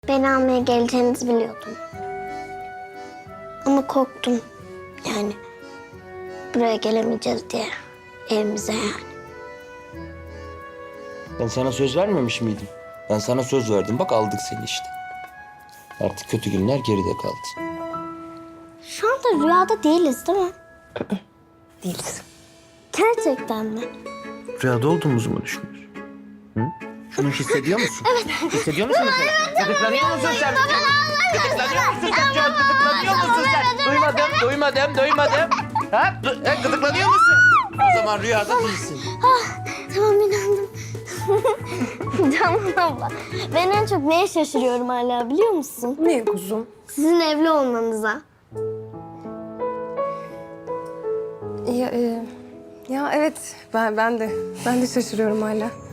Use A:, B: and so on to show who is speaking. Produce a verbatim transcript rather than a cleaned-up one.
A: Beni almaya geleceğinizi biliyordum. Ama korktum. Yani buraya gelemeyeceğiz diye. Evimize yani.
B: Ben sana söz vermemiş miydim? Ben sana söz verdim. Bak aldık seni işte. Artık kötü günler geride kaldı.
A: Şu anda rüyada değiliz değil mi?
C: Değiliz.
A: Gerçekten mi?
B: Rüyada olduğumuzu mu düşünüyorsun? Hı? Şunu hissediyor musun? Evet. Hissediyor musun mesela? Gıdıklanıyor musun sen? Gıdıklanıyor musun sen? Çok gıdıklanıyor musun sen? Duymadım, duymadım, duymadım. Ha? Du- ha, gıdıklanıyor musun? O zaman rüyada değilsin.
A: Tamam inandım. Canım abla. Ben en çok neye şaşırıyorum hala biliyor musun?
C: Ne kuzum?
A: Sizin evli olmanıza.
C: Ya, e, ya evet ben ben de ben de şaşırıyorum hala.